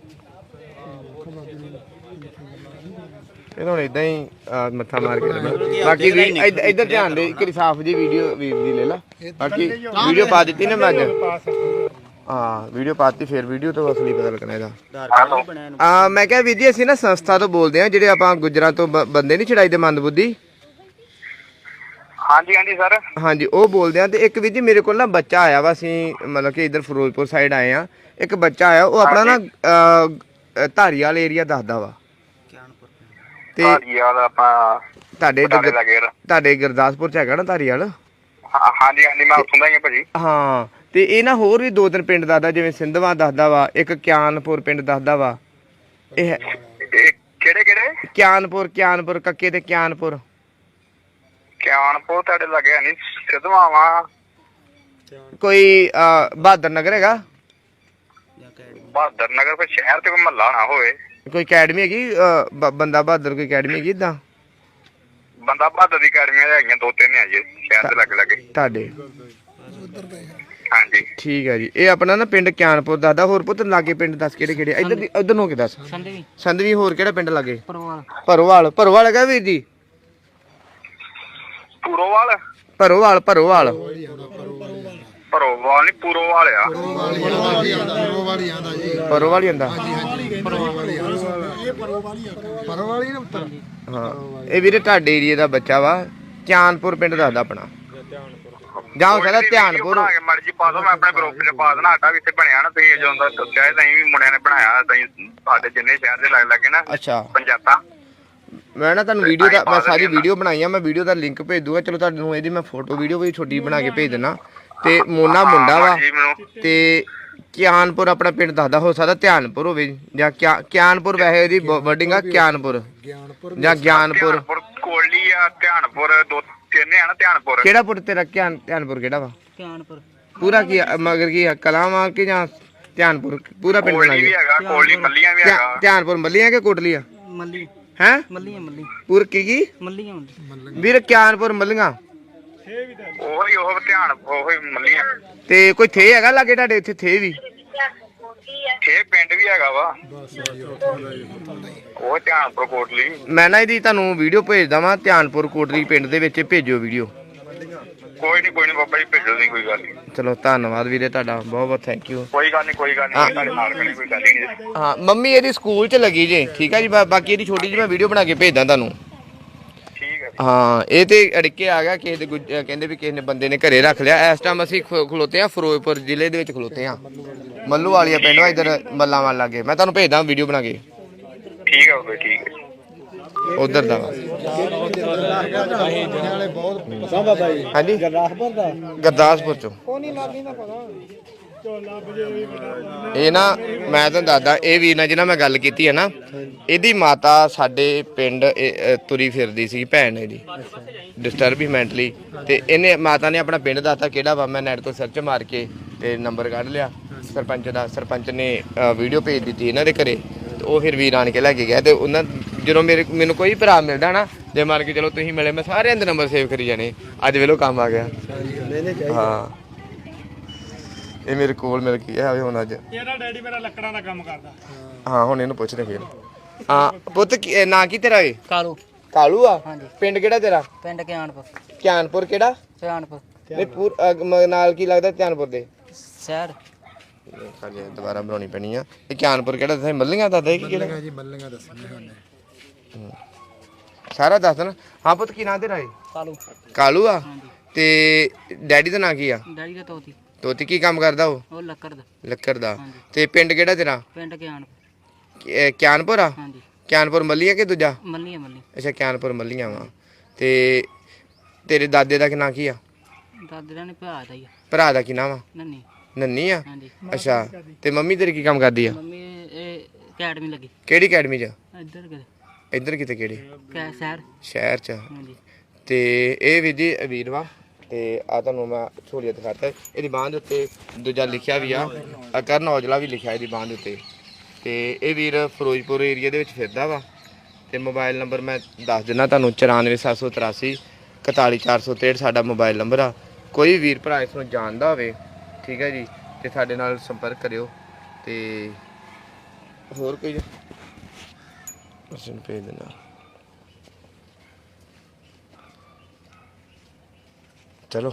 A: ਇਹ ਹੁਣ ਇਦਾਂ ਹੀ ਅਹ, ਮੱਥਾ ਮਾਰ ਕੇ ਰੱਖਣਾ। ਬਾਕੀ ਵੀ ਇੱਧ- ਇੱਧਰ ਧਿਆਨ ਦੇ ਇੱਕ ਸਾਫ ਜੀ ਵੀਡੀਓ ਵੀਰ ਦੀ ਲੈ ਲਾ। ਬਾਕੀ ਵੀਡੀਓ ਪਾ ਦਿੱਤੀ ਨਾ ਮੈਂ ਅੱਜ। ਹਾਂ ਵੀਡੀਓ ਪਾਤੀ ਫਿਰ ਵੀਡੀਓ ਤੋਂ ਅਸਲੀ ਪਤਾ ਲੱਗਣਾ ਇਹਦਾ। ਆ ਮੈਂ ਕਿਹਾ ਵੀਰ ਜੀ ਅਸੀਂ ਨਾ ਸੰਸਥਾ ਤੋਂ ਬੋਲਦੇ ਆ ਜਿਹੜੇ ਆਪਾਂ ਗੁਜਰਾਂ ਤੋਂ ਬ- ਬੰਦੇ ਨਹੀਂ ਛਡਾਈਦੇ ਮੰਦਬੁੱਧੀ।
E: ਹਾਂਜੀ ਹਾਂਜੀ ਸਰ
A: ਹਾਂਜੀ ਉਹ ਬੋਲਦੇ ਆ ਤੇ ਇੱਕ ਵੀਰ ਜੀ ਮੇਰੇ ਕੋਲ ਨਾ ਬੱਚਾ ਆਇਆ ਵਾ ਅਸੀਂ ਮਤਲਬ ਕਿ ਇੱਧਰ ਫਿਰੋਜ਼ਪੁਰ ਸਾਈਡ ਆਏ ਆ। ਇੱਕ ਬੱਚਾ ਆਇਆ ਉਹ ਆਪਣਾ ਨਾ ਅਹ, ਧਾਰੀਵਾਲ ਏਰੀਆ ਦੱਸਦਾ ਵਾ ਤੇ
E: ਧਾਰੀਵਾਲ ਆਪਾਂ
A: ਤੁਹਾਡੇ ਇੱਧਰ
E: ਬਟਾਲੇ ਲਾਗੇ ਯਾਰ।
A: ਤੁਹਾਡੇ ਗੁਰਦਾਸਪੁਰ ਚ ਹੈਗਾ ਨਾ ਧਾਰੀਵਾਲ।
E: ਹਾਂ- ਹਾਂਜੀ ਹਾਂਜੀ ਮੈਂ ਉੱਥੋਂ ਦਾ ਹੀ ਹਾਂ ਭਾਜੀ।
A: ਹਾਂ ਤੇ ਇਹ ਨਾ ਹੋਰ ਵੀ ਦੋ ਤਿੰਨ ਪਿੰਡ ਦੱਸਦਾ ਜਿਵੇਂ ਸਿੰਧਵਾ ਦੱਸਦਾ ਵਾ ਇੱਕ ਕਿਆਨਪੁਰ ਪਿੰਡ ਦੱਸਦਾ ਵਾ। ਇਹ
E: ਇਹ ਕਿਹੜੇ ਕਿਹੜੇ?
A: ਕਿਆਨਪੁਰ ਕਿਆਨਪੁਰ ਕੱਕੇ ਤੇ ਕਿਆਨਪੁਰ
E: ਕਿਆਨਪੁਰ ਤੁਹਾਡੇ ਲੱਗੇ ਨਹੀਂ ਸਿੱਧਵਾਵਾ
A: ਕੋਈ ਅਹ, ਬਹਾਦਰ ਨਗਰ ਹੈਗਾ
E: ਬਹਾਦਰ ਨਗਰ ਕੋਈ ਸ਼ਹਿਰ ਤੇ ਕੋਈ ਮਹੱਲਾ ਨਾ ਹੋਵੇ।
A: ਕੋਈ ਅਕੈਡਮੀ ਹੈਗੀ ਅਹ, ਬ- ਬੰਦਾ ਬਹਾਦਰ ਕੋਈ ਅਕੈਡਮੀ ਹੈਗੀ ਇਦਾਂ
E: ਬੰਦਾ ਬਹਾਦਰ ਦੀ ਅਕੈਡਮੀਆਂ ਹੈਗੀਆਂ ਦੋ ਤਿੰਨ ਹੈ ਜੀ ਸ਼ਹਿਰ ਦੇ ਲੱਗੇ ਲੱਗੇ।
A: ਤੁਹਾਡੇ?
E: ਹਾਂਜੀ
A: ਠੀਕ ਹੈ ਜੀ। ਇਹ ਆਪਣਾ ਨਾ ਪਿੰਡ ਕਿਆਨਪੁਰ ਦੱਸਦਾ। ਹੋਰ ਪੁੱਤ ਲਾਗੇ ਪਿੰਡ ਦੱਸ ਕਿਹੜੇ ਕਿਹੜੇ? ਇੱਧਰ ਦੀ ਉੱਧਰ ਨੂੰ ਹੋ ਕੇ ਦੱਸ।
B: ਸੰਧਵੀ
A: ਸੰਧਵੀ ਹੋਰ ਕਿਹੜਾ ਪਿੰਡ ਲਾਗੇ?
B: ਪਰਵਾਲ
A: ਭਰੋਵਾਲ ਭਰੋਵਾਲ ਹੈਗਾ ਵੀਰ ਜੀ?
E: ਪੂਰੋਵਾਲ
A: ਭਰੋਵਾਲ ਭਰੋਵਾਲ
E: ਭਰੋਵਾਲ ਨਹੀਂ ਪੂਰੋਵਾਲ ਆ।
C: ਪਰੋਵਾਲੀ ਆਂਦਾ ਪਰੋਵਾਲੀ ਆਂਦਾ ਜੀ
A: ਭਰੋਵਾਲ ਹੀ ਹੁੰਦਾ।
C: ਪਰੋਵਾਲੀ ਨਾ ਉੱਤਰ
A: ਹਾਂ ਇਹ ਵੀਰੇ ਤੁਹਾਡੇ ਏਰੀਏ ਦਾ ਬੱਚਾ ਵਾ। ਕਿਆਨਪੁਰ ਪਿੰਡ ਦੱਸਦਾ ਆਪਣਾ ਜਾਂ ਹੋ ਸਕਦਾ ਧਿਆਨਪੁਰ।
E: ਬਣਾ ਕੇ ਮਰਜੀ ਪਾ ਦੋ ਮੈਂ ਆਪਣੇ ਗਰੁੱਪ 'ਚ ਪਾ ਦੇਣਾ। ਸਾਡਾ ਵੀ ਇੱਥੇ ਬਣਿਆ ਨਾ ਤੁਸੀਂ ਜਦੋਂ ਦਾ ਦੱਸਿਆ ਤਾਂ ਵੀ ਮੁੰਡਿਆਂ ਨੇ ਬਣਾਇਆ ਤਾਂ ਸਾਡੇ ਜਿੰਨੇ ਸ਼ਹਿਰ ਦੇ ਲੱਗ ਲੱਗੇ ਨਾ
A: ਅੱਛਾ
E: ਪੰਚਾਇਤਾਂ।
A: ਮੈਂ ਨਾ ਤੁਹਾਨੂੰ ਵੀਡੀਓ ਦਾ ਮੈਂ ਸਾਰੀ ਵੀਡੀਓ ਬਣਾਈ ਆ। ਮੈਂ ਵੀਡੀਓ ਦਾ ਲਿੰਕ ਭੇਜ ਦੂੰਗਾ। ਚਲੋ ਤੁਹਾਨੂੰ ਇਹਦੀ ਮੈਂ ਫੋਟੋ ਵੀਡੀਓ ਵੀ ਛੋਟੀ ਬਣਾ ਕੇ ਭੇਜ ਦੇਣਾ। ਤੇ ਮੋਨਾ ਮੁੰਡਾ ਵਾ ਤੇ ਕਿਆਨਪੁਰ ਆਪਣਾ ਪਿੰਡ ਦੱਸਦਾ। ਹੋ ਸਕਦਾ ਧਿਆਨਪੁਰ ਹੋਵੇ ਜਾਂ ਕਿਆ ਕਿਆਨਪੁਰ ਵੈਸੇ ਇਹਦੀ ਵਰਡਿੰਗ ਆ ਕਿਆਨਪੁਰ
C: ਗਿਆਨਪੁਰ
A: ਜਾਂ ਗਿਆਨਪੁਰ।
E: ਧਿਆਨਪੁਰ ਕੋਲੀ ਆ ਧਿਆਨਪੁਰ ਦੋ ਤਿੰਨ ਆ ਨਾ ਧਿਆਨਪੁਰ।
A: ਕਿਹੜਾ ਪੁੱਤ ਤੇਰਾ ਧਿਆਨ ਧਿਆਨਪੁਰ ਕਿਹੜਾ ਵਾ?
B: ਧਿਆਨਪੁਰ
A: ਪੂਰਾ ਕੀ ਆ? ਮਗਰ ਕੀ ਆ? ਕਲਾਵਾਂ ਕਿ ਜਾਂ ਧਿਆਨਪੁਰ ਪੂਰਾ ਪਿੰਡ ਬਣਾ
E: ਕੋਲੀ ਵੀ
A: ਗਿਆ?
E: ਹੈਗਾ ਕੋਲੀ ਮੱਲੀਆਂ ਵੀ ਹੈਗਾ।
A: ਧਿਆਨਪੁਰ ਮੱਲੀਆਂ ਕਿ ਕੋਟਲੀਆਂ
B: ਮੱਲੀ
A: ਹੈ?
B: ਮੱਲੀਆਂ ਮੱਲੀ
A: ਪੂਰ ਕੀ ਕੀ
B: ਮੱਲੀਆਂ ਹੁੰਦੀ
A: ਵੀਰ? ਕਿਆਨਪੁਰ ਮੱਲੀਆਂ
E: ਉਹੀ ਉਹ ਧਿਆਨ ਉਹੀ ਮੱਲੀਆਂ।
A: ਤੇ ਕੋਈ ਥੇ ਹੈਗਾ ਲਾਗੇ ਤੁਹਾਡੇ ਇੱਥੇ ਥੇ ਵੀ?
E: ਪੱਠੇ ਪਿੰਡ ਵੀ ਹੈਗਾ ਵਾ
C: ਬਸ ਜੀ ਉੱਥੋਂ ਦਾ ਹੀ
E: ਉਹ ਧਿਆਨਪੁਰ ਕੋਟਲੀ।
A: ਮੈਂ ਨਾ ਇਹਦੀ ਤੁਹਾਨੂੰ ਵੀਡੀਓ ਭੇਜਦਾ ਵਾਂ, ਧਿਆਨਪੁਰ ਕੋਟਲੀ ਪਿੰਡ ਦੇ ਵਿੱਚ ਭੇਜਿਓ ਵੀਡੀਓ।
E: ਕੋਈ ਨਹੀਂ ਕੋਈ ਨਹੀਂ ਬਾਬਾ ਜੀ, ਭੇਜੋ ਨਹੀਂ, ਕੋਈ ਗੱਲ ਨਹੀਂ।
A: ਚਲੋ ਧੰਨਵਾਦ ਵੀਰੇ ਤੁਹਾਡਾ, ਬਹੁਤ ਬਹੁਤ ਥੈਂਕ ਯੂ।
E: ਕੋਈ ਗੱਲ ਨਹੀਂ ਕੋਈ ਗੱਲ ਨਹੀਂ, ਤੁਹਾਡੇ ਨਾਲ ਖੜੀ, ਕੋਈ ਗੱਲ ਨਹੀਂ।
A: ਹਾਂ ਮੰਮੀ ਇਹਦੀ ਸਕੂਲ 'ਚ ਲੱਗੀ ਜੇ, ਠੀਕ ਹੈ ਜੀ। ਬਾ- ਬਾਕੀ ਇਹਦੀ ਛੋਟੀ ਜਿਹੀ ਮੈਂ ਵੀਡੀਓ ਬਣਾ ਕੇ ਭੇਜਦਾ ਤੁਹਾਨੂੰ।
E: ਠੀਕ ਹੈ।
A: ਹਾਂ ਇਹ ਤੇ ਅੜਕੇ ਆ ਗਿਆ ਕਿਸੇ ਦੇ ਗੁੱਜ- ਕਹਿੰਦੇ ਵੀ ਕਿਸੇ ਨੇ ਬੰਦੇ ਨੇ ਘਰੇ ਰੱਖ ਲਿਆ। ਇਸ ਟਾਈਮ ਅਸੀਂ ਖ- ਖਲੋਤੇ ਆ ਫਿਰੋਜ਼ਪੁਰ ਜ਼ਿਲ੍ਹੇ ਦੇ ਵਿੱਚ ਖਲੋਤੇ ਆ, ਮੱਲੂ ਵਾਲੀਆ ਪਿੰਡ ਵਾ ਇੱਧਰ ਮੱਲਾਂ ਵੱਲ ਲਾਗੇ। ਮੈਂ ਤੁਹਾਨੂੰ ਭੇਜਦਾ ਵੀਡੀਓ ਬਣਾ ਕੇ,
E: ਠੀਕ ਹੈ ਬਾਬਾ, ਠੀਕ ਹੈ।
A: ਉਧਰ ਦਾ ਵਾ।
C: ਵਾਲੇ ਬਹੁਤ ਪਸੰਦ ਆ ਜੀ।
A: ਹਾਂਜੀ
C: ਗੁਰਦਾਸਪੁਰ ਦਾ
A: ਗੁਰਦਾਸਪੁਰ ਚੋਂ।
C: ਕੋਨੀ ਲਾਲੀ ਦਾ ਪਤਾ
A: ਇਹ ਨਾ ਮੈਂ ਤੁਹਾਨੂੰ ਦੱਸਦਾ, ਇਹ ਵੀਰ ਨਾਲ ਜਿਹਨਾਂ ਮੈਂ ਗੱਲ ਕੀਤੀ ਹੈ ਨਾ, ਇਹਦੀ ਮਾਤਾ ਸਾਡੇ ਪਿੰਡ ਇਹ, ਅ, ਤੁਰੀ ਫਿਰਦੀ ਸੀ, ਭੈਣ ਇਹਦੀ ਡਿਸਟਰਬ ਹੀ ਮੈਂਟਲੀ। ਤੇ ਇਹਨੇ ਮਾਤਾ ਨੇ ਆਪਣਾ ਪਿੰਡ ਦੱਸਤਾ ਕਿਹੜਾ ਵਾ। ਮੈਂ ਨੈਟ ਤੋਂ ਸਰਚ ਮਾਰ ਕੇ ਤੇ ਨੰਬਰ ਕੱਢ ਲਿਆ ਸਰਪੰਚ ਦਾ। ਸਰਪੰਚ ਨੇ ਵੀਡੀਓ ਭੇਜ ਦਿੱਤੀ ਇਹਨਾਂ ਦੇ ਘਰੇ, ਤੇ ਉਹ ਫਿਰ ਵੀਰ ਆਣ ਕੇ ਲੈ ਕੇ ਗਿਆ। ਤੇ ਉਹਨਾਂ ਜਦੋਂ ਮੇਰੇ ਮੈਨੂੰ ਕੋਈ ਭਰਾ ਮਿਲਦਾ ਨਾ, ਜੇ ਮਾਰ ਕੇ ਚਲੋ ਤੁਸੀਂ ਮਿਲੇ, ਮੈਂ ਸਾਰਿਆਂ ਦੇ ਨੰਬਰ ਸੇਵ ਕਰੀ ਜਾਣੇ। ਅੱਜ ਵੇਲੋ ਕੰਮ ਆ ਗਿਆ। ਹਾਂ ਇਹ ਮੇਰੇ ਕੋਲ ਮਿਲ ਗਿਆ ਹੁਣ ਅੱਜ।
D: ਇਹਦਾ ਡੈਡੀ ਮੇਰਾ ਲੱਕੜਾਂ ਦਾ ਕੰਮ ਕਰਦਾ।
A: ਹਾਂ ਹੁਣ ਇਹਨੂੰ ਪੁੱਛਦੇ ਫਿਰ। ਹਾਂ ਪੁੱਤ ਕੀ- ਨਾਂ ਕੀ ਤੇਰਾ ਏ?
B: ਕਾਲੂ
A: ਕਾਲੂ ਆ?
B: ਹਾਂਜੀ।
A: ਪਿੰਡ ਕਿਹੜਾ ਤੇਰਾ?
B: ਪਿੰਡ ਕਿਆਨਪੁਰ।
A: ਧਿਆਨਪੁਰ ਕਿਹੜਾ?
B: ਸਿਆਣਪੁਰ
A: ਨਹੀਂ ਪੂਰ ਅਹ ਮ- ਨਾਲ ਕੀ ਲੱਗਦਾ ਧਿਆਨਪੁਰ ਦੇ?
B: ਸ਼ਹਿਰ।
A: ਹਾਂਜੀ ਦੁਬਾਰਾ ਬਣਾਉਣੀ ਪੈਣੀ ਆ। ਇਹ ਧਿਆਨਪੁਰ ਕਿਹੜਾ ਦੱਸਿਆ? ਮੱਲੀਆਂ ਦੱਸਦਾ ਕਿ ਕਿਹੜਾ?
C: ਮੱਲੀਆਂ ਜੀ ਮੱਲੀਆਂ ਦੱਸਣੀਆਂ ਉਹਨੇ।
A: ਸਾਰਾ ਦੱਸ ਦੇਣਾ। ਹਾਂ ਪੁੱਤ ਕੀ ਨਾਂ ਤੇਰਾ ਏ?
B: ਕਾਲੂ।
A: ਕਾਲੂ ਆ?
B: ਹਾਂਜੀ।
A: ਤੇ ਡੈਡੀ ਦਾ ਨਾਂ ਕੀ ਆ?
B: ਡੈਡੀ ਦਾ ਤੋਤੀ।
A: ਤੋਤੀ ਕੀ ਕੰਮ ਕਰਦਾ ਉਹ?
B: ਉਹ ਲੱਕੜ ਦਾ।
A: ਲੱਕੜ ਦਾ।
B: ਹਾਂਜੀ।
A: ਤੇ ਪਿੰਡ ਕਿਹੜਾ ਤੇਰਾ?
B: ਪਿੰਡ ਕਿਆਨਪੁਰ।
A: ਕਿ- ਕਿਆਨਪੁਰ ਆ?
B: ਹਾਂਜੀ।
A: ਕਿਆਨਪੁਰ ਮੱਲੀਆਂ ਕਿ ਦੂਜਾ?
B: ਮੱਲੀ ਆ ਮੱਲੀ।
A: ਅੱਛਾ ਕਿਆਨਪੁਰ ਮੱਲੀਆਂ ਵਾ। ਤੇ ਤੇਰੇ ਦਾਦੇ ਦਾ ਕੀ ਨਾਂ ਕੀ ਆ?
B: ਦਾਦੇ ਨੇ ਭਰਾ ਦਾ ਹੀ ਆ।
A: ਭਰਾ ਦਾ ਕੀ ਨਾਮ ਆ?
B: ਨੰਨੀ।
A: ਨੰਨੀ ਆ?
B: ਹਾਂਜੀ।
A: ਅੱਛਾ ਤੇ ਮੰਮੀ ਤੇਰੀ ਕੀ ਕੰਮ ਕਰਦੀ ਆ?
B: ਮੰਮੀ ਇਹ ਅਕੈਡਮੀ ਲੱਗੀ
A: ਕਿਹੜੀ ਅਕੈਡਮੀ 'ਚ?
B: ਇੱਧਰ ਕਿਤੇ
A: ਇੱਧਰ ਕਿਤੇ ਕਿਹੜੀ
B: ਕੈ ਸ਼ਹਿਰ।
A: ਸ਼ਹਿਰ 'ਚ?
B: ਹਾਂਜੀ।
A: ਤੇ ਇਹ ਵੀ ਜੀ ਵੀਰ ਵਾ। ਤੇ ਆ ਤੁਹਾਨੂੰ ਮੈਂ ਸਹੂਲੀਅਤ ਦਿਖਾਤਾ। ਇਹਦੀ ਬਾਂਹ ਦੇ ਉੱਤੇ ਦੂਜਾ ਲਿਖਿਆ ਵੀ ਆ, ਆ ਕਰਨ ਔਜਲਾ ਵੀ ਲਿਖਿਆ ਇਹਦੀ ਬਾਂਹ ਦੇ ਉੱਤੇ। ਤੇ ਇਹ ਵੀਰ ਫਿਰੋਜ਼ਪੁਰ ਏਰੀਆ ਦੇ ਵਿੱਚ ਫਿਰਦਾ ਵਾ। ਤੇ ਮੋਬਾਈਲ ਨੰਬਰ ਮੈਂ ਦੱਸ ਦਿੰਦਾ ਤੁਹਾਨੂੰ, ਚੁਰਾਨਵੇਂ ਸੱਤ ਸੌ ਤਰਾਸੀ ਇਕਤਾਲੀ ਚਾਰ ਸੌ ਤੇਹਠ ਸਾਡਾ ਮੋਬਾਈਲ ਨੰਬਰ ਆ। ਕੋਈ ਵੀਰ ਭਰਾ ਇਸ ਨੂੰ ਜਾਣਦਾ ਹੋਵੇ, ਠੀਕ ਹੈ ਜੀ, ਤੇ ਸਾਡੇ ਨਾਲ ਸੰਪਰਕ ਕਰਿਓ। ਤੇ ਹੋਰ ਕੋਈ ਅਸੀਂ ਭੇਜ ਦੇਣਾ। ਚਲੋ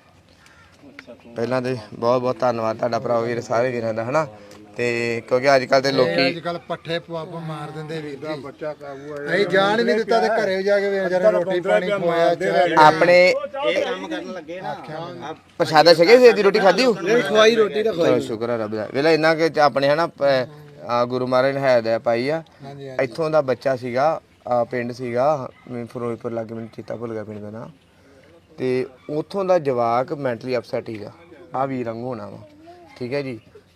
A: ਪਹਿਲਾਂ ਤੇ ਬਹੁਤ ਬਹੁਤ ਧੰਨਵਾਦ ਤੁਹਾਡਾ ਭਰਾ ਵੀਰ, ਸਾਰੇ ਵੀਰਾਂ ਦਾ ਹਨਾ। ਤੇ ਕਿਉਂਕਿ ਅੱਜ ਕੱਲ ਤੇ ਲੋਕੀ
C: ਅੱਜ ਕੱਲ ਪੱਠੇ ਪਵਾਪ ਮਾਰ ਦਿੰਦੇ ਵੀਰ ਦਾ ਬੱਚਾ ਕਾਬੂ ਆ। ਅਸੀਂ ਜਾਣ ਹੀ ਨਹੀਂ ਦਿੱਤਾ ਤੇ ਘਰੇ ਜਾ ਕੇ ਵੇਖ ਜਰਾ ਰੋਟੀ ਪਾਣੀ ਖਵਾਇਆ ਚਾਹ
A: ਆਪਣੇ
F: ਇਹ ਕੰਮ ਕਰਨ ਲੱਗੇ ਨਾ
A: ਪ੍ਰਸ਼ਾਦਾ ਛਕੇ ਸੀ ਦੀ ਰੋਟੀ ਖਾਧੀ ਹੋ?
F: ਖਵਾਈ ਰੋਟੀ ਦਾ
A: ਚਲੋ ਸ਼ੁਕਰ ਹੈ ਰੱਬ ਦਾ। ਵੇਲਾ ਇੰਨਾ ਕਿ ਆਪਣੇ ਹਨਾ ਪ- ਆ ਗੁਰੂ ਮਹਾਰਾਜ ਨੇ ਹੈ ਪਾਈ ਆ।
C: ਹਾਂਜੀ
A: ਇੱਥੋਂ ਦਾ ਬੱਚਾ ਸੀਗਾ, ਆ ਪਿੰਡ ਸੀਗਾ ਮੈਂ ਫਿਰੋਜ਼ਪੁਰ ਲਾਗੇ, ਮੈਨੂੰ ਚੇਤਾ ਭੁੱਲ ਗਿਆ ਪਿੰਡ ਦਾ ਨਾਂ। ਤੇ ਉੱਥੋਂ ਦਾ ਜਵਾਕ ਮੈਂਟਲੀ ਅਪਸੈਟ ਸੀਗਾ, ਆ ਵੀਰ ਵਾਂਗੂ ਹੋਣਾ ਵਾ, ਠੀਕ ਹੈ ਜੀ।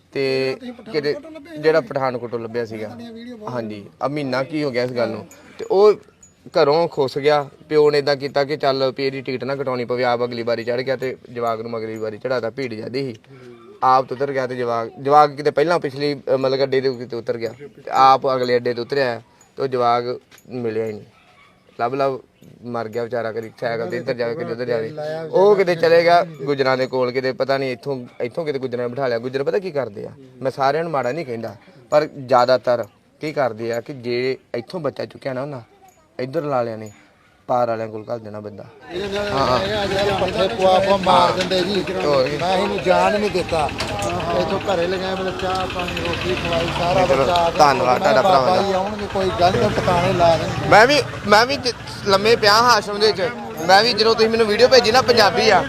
A: ਤੇ ਕਿਤੇ ਜਿਹੜਾ ਪਠਾਨਕੋਟੋਂ ਲੱਭਿਆ ਸੀਗਾ, ਹਾਂਜੀ ਆ ਮਹੀਨਾ ਕੀ ਹੋ ਗਿਆ ਇਸ ਗੱਲ ਨੂੰ। ਤੇ ਉਹ ਘਰੋਂ ਖੁੱਸ ਗਿਆ। ਪਿਓ ਨੇ ਇਦਾਂ ਕੀਤਾ ਕਿ ਚੱਲ ਵੀ ਇਹਦੀ ਟਿਕਟ ਨਾ ਕਟਾਉਣੀ ਪਵੇ, ਆਪ ਅਗਲੀ ਵਾਰੀ ਚੜ ਗਿਆ ਤੇ ਜਵਾਕ ਨੂੰ ਅਗਲੀ ਵਾਰੀ ਚੜਾਤਾ। ਭੀੜ ਜਾਂਦੀ ਸੀ, ਆਪ ਉਤਰ ਗਿਆ ਤੇ ਜਵਾਕ ਜਵਾਕ ਕਿਤੇ ਪਹਿਲਾਂ ਪਿਛਲੀ ਅ, ਮਤਲਬ ਅੱਡੇ ਦੇ ਕਿਤੇ ਉਤਰ ਗਿਆ ਤੇ ਆਪ ਅਗਲੇ ਅੱਡੇ ਤੇ ਉਤਰਿਆ ਤੇ ਉਹ ਜਵਾਕ ਮਿਲਿਆ ਹੀ ਨਹੀਂ। ਲੱਭ ਲੱਭ ਮਰ ਗਿਆ ਵਿਚਾਰਾ, ਕਦੀ ਸਾਈਕਲ ਤੇ ਇੱਧਰ ਜਾਵੇ ਕਦੇ ਉੱਧਰ ਜਾਵੇ। ਉਹ ਕਿਤੇ ਚਲੇ ਗਿਆ ਗੁੱਜਰਾਂ ਦੇ ਕੋਲ, ਕਿਤੇ ਪਤਾ ਨਹੀਂ ਇੱਥੋਂ ਇੱਥੋਂ ਕਿਤੇ ਗੁੱਜਰਾਂ ਨੇ ਬਿਠਾ ਲਿਆ। ਗੁੱਜਰ ਪਤਾ ਕੀ ਕਰਦੇ ਆ, ਮੈਂ ਸਾਰਿਆਂ ਨੂੰ ਮਾੜਾ ਨਹੀਂ ਕਹਿੰਦਾ, ਪਰ ਜ਼ਿਆਦਾਤਰ ਕੀ ਕਰਦੇ ਆ ਕਿ ਜੇ ਇੱਥੋਂ ਬੱਚਾ ਚੁੱਕਿਆ ਨਾ ਉਹਨਾਂ ਇੱਧਰ ਲਾ ਲਿਆ ਨੇ ਪਾਰ ਵਾਲਿਆਂ ਕੋਲ ਘੱਲ ਦੇਣਾ ਬੰਦਾ।
C: ਹਾਂ ਪੱਠੇ ਪਵਾਪ ਮਾਰ ਦਿੰਦੇ ਜੀ। ਮੈਂ ਇਹਨੂੰ ਜਾਣ ਨਹੀਂ ਦਿੱਤਾ। ਇੱਥੋਂ ਘਰੇ ਲਗਾਏ ਮਤਲਬ ਚਾਹ ਪਾਣੀ ਰੋਟੀ ਖਵਾਈ ਸਾਰਾ ਬੱਚਾ।
A: ਧੰਨਵਾਦ ਤੁਹਾਡਾ ਭਰਾਵਾਂ ਦਾ।
C: ਆਉਣਗੇ ਕੋਈ ਗੱਲ ਤਾਂ ਟਿਕਾਣੇ ਲਾ ਦੇਣਗੇ।
A: ਮੈਂ ਵੀ ਮੈਂ ਵੀ ਜ- ਲੰਮੇ ਪਿਆ ਹਾਂ ਆਸ਼ਰਮ ਦੇ ਵਿੱਚ। ਮੈਂ ਵੀ ਜਦੋਂ ਤੁਸੀਂ ਮੈਨੂੰ ਵੀਡੀਓ ਭੇਜੀ ਨਾ, ਪੰਜਾਬੀ ਆ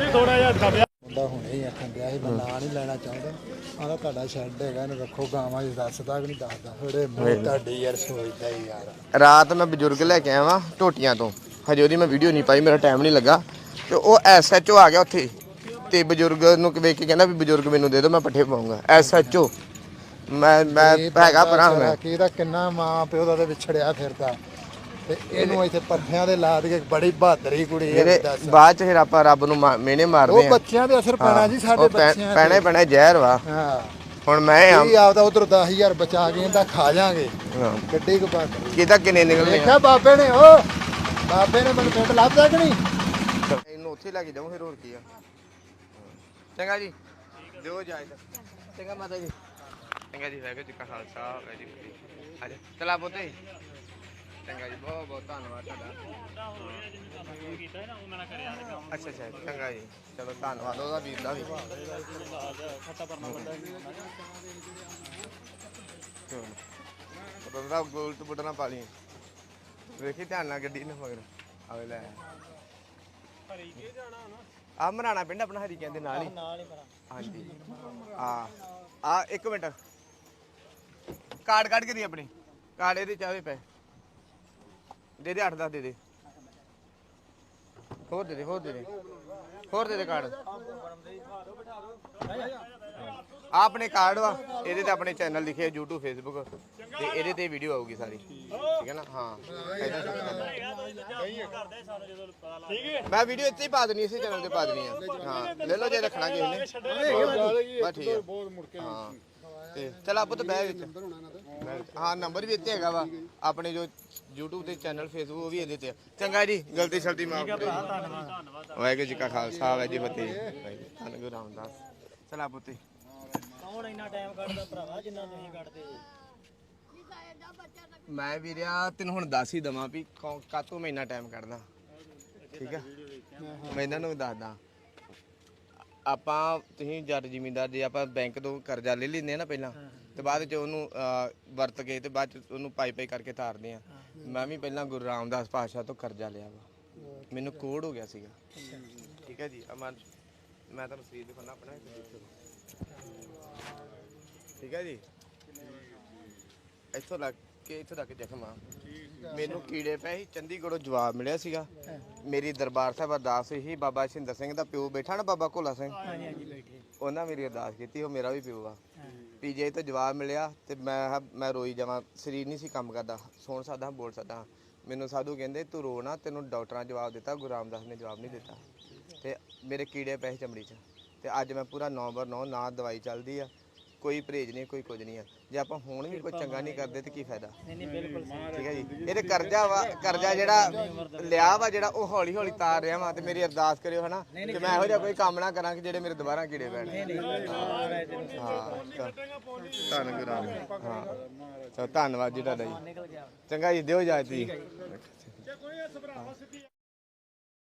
C: ਮੁੰਡਾ ਹੁਣੇ ਹੀ ਆਖਣ ਡਿਆ ਸੀ, ਮੈਂ ਨਾਂ ਨਹੀਂ ਲੈਣਾ ਚਾਹੁੰਦਾ। ਆਂਦਾ ਤੁਹਾਡਾ ਸ਼ੈੱਡ ਹੈਗਾ, ਇਹਨੂੰ ਰੱਖੋ ਗਾਵਾਂ ਜੀ। ਦੱਸਦਾ ਕਿ ਨਹੀਂ ਦੱਸਦਾ? ਥੋੜੇ ਮੂੰਹ ਤੁਹਾਡੀ ਯਾਰ ਸੋਚਦਾ ਹੀ ਯਾਰ।
A: ਰਾਤ ਮੈਂ ਬਜ਼ੁਰਗ ਲੈ ਕੇ ਆਇਆ ਵਾਂ ਟੋਟੀਆਂ ਤੋਂ, ਹਜੇ ਉਹਦੀ ਮੈਂ ਵੀਡੀਓ ਨਹੀਂ ਪਾਈ, ਮੇਰਾ ਟਾਈਮ ਨਹੀਂ ਲੱਗਾ। ਤੇ ਉਹ ਐਸ ਐਚ ਓ ਆ ਗਿਆ ਉੱਥੇ ਤੇ ਬਜ਼ੁਰਗ ਨੂੰ ਵੇਖ ਕੇ ਕਹਿੰਦਾ ਵੀ ਬਜ਼ੁਰਗ ਮੈਨੂੰ ਦੇ ਦਿਓ, ਮੈਂ ਪੱਠੇ ਪਾਉਂਗਾ। ਐਸ ਐਚ ਓ ਮੈਂ ਮੈਂ ਹੈਗਾ ਪਰਾਂ ਮੈਂ
C: ਕਿ ਇਹਦਾ ਕਿੰਨਾ ਮਾਂ ਪਿਓ ਦਾ ਤੇ ਵਿਛੜਿਆ ਫਿਰਦਾ ਤੇ ਇਹਨੂੰ ਇੱਥੇ ਪੱਠਿਆਂ ਦੇ ਲਾ ਦੇ। ਬੜੀ ਬਹਾਦਰੀ ਕੁੜੀ
A: ਮੇਰੇ
C: ਹੈ। ਦੱਸ
A: ਬਾਅਦ ਚ ਫਿਰ ਆਪਾਂ ਰੱਬ ਨੂੰ ਮਾ- ਮਿਹਣੇ ਮਾਰਦੇ
C: ਉਹ
A: ਆ।
C: ਬੱਚਿਆਂ ਦੇ ਅਸਰ ਪੈਣਾ ਜੀ, ਸਾਡੇ ਬੱਚਿਆਂ
A: ਪੈਣੇ ਪੈਣੇ ਜ਼ਹਿਰ ਵਾ।
C: ਹਾਂ
A: ਹੁਣ ਮੈਂ ਆ
C: ਇਹ ਆਪਦਾ ਉਧਰ ਦਸ ਹਜ਼ਾਰ ਬਚਾ ਕੇ ਇਹਦਾ ਖਾ ਜਾਾਂਗੇ।
A: ਹਾਂ।
C: ਗੱਡੀ ਕੋ ਬਾਤ
A: ਕਿਹਦਾ ਕਿੰਨੇ ਨਿਕਲਨੇ ਆ।
C: ਦੇਖਿਆ ਬਾਬੇ ਨੇ, ਉਹ ਬਾਬੇ ਨੇ ਮੈਨੂੰ ਪਿੰਡ ਲੱਭਦਾ ਕਿ ਨਹੀਂ?
A: ਇਹਨੂੰ ਉੱਥੇ ਲੈ ਕੇ ਜਾਊਂ ਫਿਰ ਹੋਰ ਕੀ ਆ। ਚੰਗਾ ਜੀ, ਦਿਓ ਇਜਾਜ਼ਤ। ਚੰਗਾ ਮਾਤਾ ਜੀ। ਚੰਗਾ ਜੀ ਵਾਹਿਗੁਰੂ ਜੀ ਕਾ ਖਾਲਸਾ ਵਾਹਿਗੁਰੂ ਜੀ ਕੀ ਫਤਿਹ। ਆ ਜਾ ਚਲਾ ਪੁੱਤੇ ਚੰਗਾ ਜੀ ਬਹੁਤ ਬਹੁਤ ਧੰਨਵਾਦ ਤੁਹਾਡਾ। ਅੱਛਾ ਅੱਛਾ ਚੰਗਾ ਜੀ ਚਲੋ ਧੰਨਵਾਦ ਉਹਦਾ ਵੀਰ ਦਾ ਵੀ। ਬੰਦਾ ਗੋਲ ਤੋਂ ਬੁੱਢਣਾ ਪਾ ਲਈ ਵੇਖੀ ਧਿਆਨ ਨਾਲ ਗੱਡੀ ਨੂੰ ਮਗਰ ਆਵੇ ਲੈ ਆ ਮਰਾਣਾ ਪਿੰਡ ਆਪਣਾ ਹਰੀ ਕਹਿੰਦੇ ਨਾਲ ਹੀ ਹਾਂਜੀ ਆ ਆ ਇੱਕ ਮਿੰਟ ਕਾਰਡ ਕੱਢ ਕੇ ਦੀ ਆਪਣੀ ਕਾਰਡ ਇਹਦੇ ਚਾਵੇ ਪਏ ਦੇ ਦੇ ਅੱਠ ਦਸ ਦੇ ਦੇ ਹੋਰ ਦੇ ਦੇ ਹੋਰ ਦੇ ਦੇ ਹੋਰ ਦੇ ਦੇ ਕਾਰਡ ਆ ਆਪਣੇ ਕਾਰਡ ਵਾ ਇਹਦੇ ਤੇ ਆਪਣੇ ਚੈਨਲ ਲਿਖੇ YouTube Facebook ਤੇ ਇਹਦੇ ਤੇ ਵੀਡੀਓ ਆਊਗੀ ਸਾਰੀ ਠੀਕ ਹੈ ਨਾ ਹਾਂ ਮੈਂ ਵੀਡੀਓ ਇੱਥੇ ਹੀ ਪਾ ਦੇਣੀ ਇਸੇ ਚੈਨਲ ਤੇ ਪਾ ਦੇਣੀ ਆ ਹਾਂ ਲੈ ਲਓ ਜੇ ਰੱਖਣਾ ਕਿਸੇ ਨੇ ਬਸ ਠੀਕ ਹੈ ਹਾਂ ਤੇ ਚਲ ਆਪੋ ਤਾਂ ਬਹਿ ਵਿੱਚ ਹਾਂ ਨੰਬਰ ਵੀ ਇੱਥੇ ਹੈਗਾ ਵਾ ਆਪਣੇ ਜੋ YouTube ਤੇ ਚੈਨਲ Facebook ਉਹ ਵੀ ਇਹਦੇ ਤੇ ਚੰਗਾ ਜੀ ਗਲਤੀ ਸ਼ਲਤੀ ਮਾਫ ਕਰੋ ਵਾਹਿਗੁਰੂ ਜੀ ਕਾ ਖਾਲਸਾ ਵਾਹਿਗੁਰੂ ਜੀ ਕੀ ਫਤਿਹ ਧੰਨ ਗੁਰੂ ਰਾਮਦਾਸ ਚਲਾ ਪੁੱਤੇ
F: ਕੌਣ ਇੰਨਾ ਟਾਈਮ ਕੱਢਦਾ ਭਰਾਵਾ ਜਿੰਨਾ ਤੁਸੀਂ ਕੱਢਦੇ
A: ਮੈਂ ਵੀਰਿਆ ਤੈਨੂੰ ਹੁਣ ਦੱਸ ਹੀ ਦਵਾਂ ਵੀ ਕਾਤੋਂ ਮੈਂ ਇੰਨਾ ਟਾਈਮ ਕੱਢਦਾ ਠੀਕ ਆ ਮੈਂ ਇਹਨਾਂ ਨੂੰ ਵੀ ਦੱਸਦਾ ਆਪਾਂ ਤੁਸੀਂ ਜੱਟ ਜ਼ਿਮੀਂਦਾਰ ਜੇ ਆਪਾਂ ਬੈਂਕ ਤੋਂ ਕਰਜ਼ਾ ਲੈ ਲੈਂਦੇ ਆ ਨਾ ਪਹਿਲਾਂ ਤੇ ਬਾਅਦ ਚ ਉਹਨੂੰ ਵਰਤ ਕੇ ਤੇ ਬਾਅਦ ਚ ਉਹਨੂੰ ਪਾਈ ਪਾਈ ਕਰਕੇ ਤਾਰਦੇ ਆ ਮੈਂ ਵੀ ਪਹਿਲਾਂ ਗੁਰੂ ਰਾਮਦਾਸ ਪਾਤਸ਼ਾਹ ਤੋਂ ਕਰਜ਼ਾ ਲਿਆ ਵਾ ਮੈਨੂੰ ਕੋੜ ਹੋ ਗਿਆ ਸੀਗਾ ਠੀਕ ਹੈ ਜੀ ਅਮਨ ਮੈਂ ਤੁਹਾਨੂੰ ਸਰੀਰ ਦਿਖਾਉਣਾ ਆਪਣਾ ਠੀਕ ਹੈ ਜੀ ਇੱਥੋਂ ਲੱਗ ਕੇ ਇੱਥੋਂ ਤੱਕ ਜ਼ਖਮ ਆ ਮੈਨੂੰ ਕੀੜੇ ਪਏ ਸੀ ਚੰਡੀਗੜ੍ਹੋਂ ਜਵਾਬ ਮਿਲਿਆ ਸੀਗਾ ਮੇਰੀ ਦਰਬਾਰ ਸਾਹਿਬ ਅਰਦਾਸ ਸੀ ਬਾਬਾ ਸਿੰਦਰ ਸਿੰਘ ਦਾ ਪਿਓ ਬੈਠਾ ਨਾ ਬਾਬਾ ਕੋਲਾ ਸਿੰਘ ਉਹਨਾਂ ਮੇਰੀ ਅਰਦਾਸ ਕੀਤੀ ਉਹ ਮੇਰਾ ਵੀ ਪਿਓ ਆ ਪੀਜੇ ਤੋਂ ਜਵਾਬ ਮਿਲਿਆ ਤੇ ਮੈਂ ਮੈਂ ਰੋਈ ਜਾਵਾਂ ਸਰੀਰ ਨਹੀਂ ਸੀ ਕੰਮ ਕਰਦਾ ਸੁਣ ਸਕਦਾ ਬੋਲ ਸਕਦਾ ਮੈਨੂੰ ਸਾਧੂ ਕਹਿੰਦੇ ਤੂੰ ਰੋ ਨਾ ਤੈਨੂੰ ਡਾਕਟਰਾਂ ਜਵਾਬ ਦਿੱਤਾ ਗੁਰੂ ਰਾਮਦਾਸ ਨੇ ਜਵਾਬ ਨਹੀਂ ਦਿੱਤਾ ਤੇ ਮੇਰੇ ਕੀੜੇ ਪਏ ਚਮੜੀ 'ਚ ਤੇ ਅੱਜ ਮੈਂ ਪੂਰਾ ਨੌ ਬਰ ਨੌ ਨਾ ਦਵਾਈ ਚੱਲਦੀ ਆ ਕੋਈ ਪਰਹੇਜ ਨਹੀਂ ਕੋਈ ਕੁਝ ਨਹੀਂ ਆ ਜੇ ਆਪਾਂ ਹੁਣ ਵੀ ਕੋਈ ਚੰਗਾ ਨਹੀਂ ਕਰਦੇ ਤੇ ਕੀ ਫਾਇਦਾ ਠੀਕ ਹੈ ਜੀ ਇਹਦੇ ਕਰਜ਼ਾ ਵਾ ਕਰਜ਼ਾ ਜਿਹੜਾ ਲਿਆ ਵਾ ਜਿਹੜਾ ਉਹ ਹੌਲੀ ਹੌਲੀ ਤਾਰ ਰਿਹਾ ਵਾ ਤੇ ਮੇਰੀ ਅਰਦਾਸ ਕਰਿਓ ਹਨਾ ਕਿ ਮੈਂ ਇਹੋ ਜਿਹਾ ਕੋਈ ਕੰਮ ਨਾ ਕਰਾਂ ਕਿ ਜਿਹੜੇ ਮੇਰੇ ਦੁਬਾਰਾ ਕੀੜੇ ਪੈਣ ਹਾਂ ਧੰਨ ਗੁਰੂ ਰਾਮਦਾਸ ਹਾਂ ਚਲੋ ਧੰਨਵਾਦ ਜੀ ਤੁਹਾਡਾ ਜੀ ਚੰਗਾ ਜੀ ਦਿਓ ਇਜਾਜ਼ਤ ਜੀ